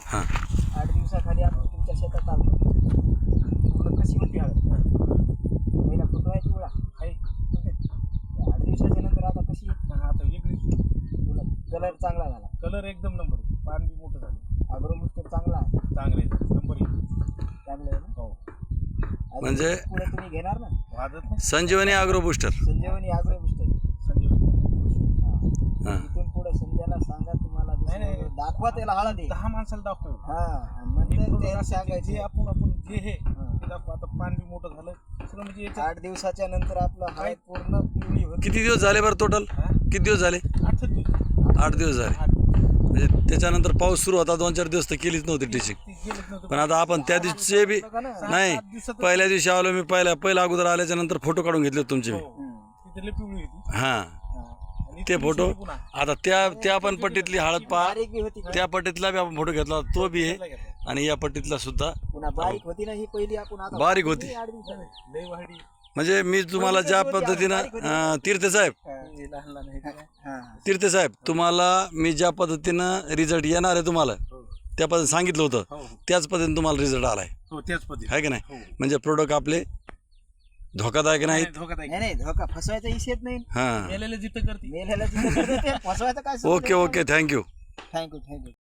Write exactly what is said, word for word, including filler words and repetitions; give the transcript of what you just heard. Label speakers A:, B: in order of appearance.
A: हां
B: आठ दिवसाखाली आपण तुमच्या शेतात आलो. पूर्ण कशी होती हळद? पहिला फोटो आहे पिवळा
C: आहे.
B: आठ दिवसाच्या नंतर आता कशी
C: हा, आता वेगळी
B: कलर चांगला झाला.
C: कलर एकदम नंबर आहे. पान बी मोठं झालं.
B: अग्रोबुस्टर चांगला आहे.
C: चांगलं आहे. नंबर एक.
B: चांगलं आहे ना?
C: हो.
B: अजून
A: म्हणजे
B: पुढे तुम्ही घेणार ना
C: वाजत नाही.
A: Sanjivani agro booster.
B: Sanjivani agro booster.
C: Sanjivani.
A: हां
B: इथून पुढे संध्याला सांगा तुम्हाला
C: नाही, नाही.
B: दुसरं दाखवा त्याला हळद आहे.
C: दहा माणसाला दाखवू.
B: हा आणि नंतर त्याला
C: जे
B: सांगायचे
C: आपण आपण जे हे
B: हा.
C: ते दाखवू. आता पान बी मोठं झालं सगळं म्हणजे याच्यात
B: आठ दिवसाच्या नंतर आपलं हळद पूर्ण पिवळी होती.
A: किती दिवस झाले बरं टोटल?
C: हा?
A: किती दिवस झाले?
C: आठ दिवस.
A: आठ दिवस झाले.
C: आठ दिवस.
A: म्हणजे त्याच्यानंतर पाऊस सुरू होता, दोन चार दिवस तर केलीच नव्हती टिचिंग.
C: ते गेलेच नव्हतं.
A: पण आता आपण त्या दिवशी बी
B: बघा ना.
A: नाही,
C: सात दिवसात-
A: पहिल्या दिवशी आलो मी, पहिल्या पहिल्या अगोदर आल्याच्या नंतर फोटो काढून घेतले होते तुमचे मी.
C: हो. तिथे लई पिवळी होती.
A: हां
C: हा. आणि
A: ते
C: इतकी
A: फोटो
C: दिवसांनी पुन्हा
A: आता त्या त्या पण पट्टीतली हळद पहा,
B: बारीक बी होती.
A: त्या पट्टीतला बी आपण फोटो घेतला तो बी आहे,
C: घेतला घेतला.
A: आणि या पट्टीतला सुद्धा
B: पुन्हा बारीक होती ना ही पहिली आपण आता
A: बारीक होती.
B: आठ दिवसांनी.
C: लई वाढी.
A: म्हणजे मी तुम्हाला ज्या पद्धतीनं अं, तीर्थे साहेब
C: हे लहान लहान हे काय?
B: हा.
A: तीर्थे साहेब तुम्हाला मी ज्या पद्धतीनं रिझल्ट येणार आहे तुम्हाला
C: हो.
A: त्या पद्धतीने सांगितलं होतं,
C: हो, हो.
A: त्याच पद्धतीने तुम्हाला रिझल्ट आलाय,
C: हो त्याच पद्धती.
A: आहे की नाही?
C: हो.
A: म्हणजे प्रोडक्ट आपले धोकादायक नाहीत.
C: नाही, धोकादायक.
B: नाही नाही धोका फसवायचा इशू येत नाही.
A: हां
C: मेलेलं जिथं करते.
B: मेल्याला जिथं करते ते फसवायचं काय
A: okay okay thank you.
B: Thank you thank you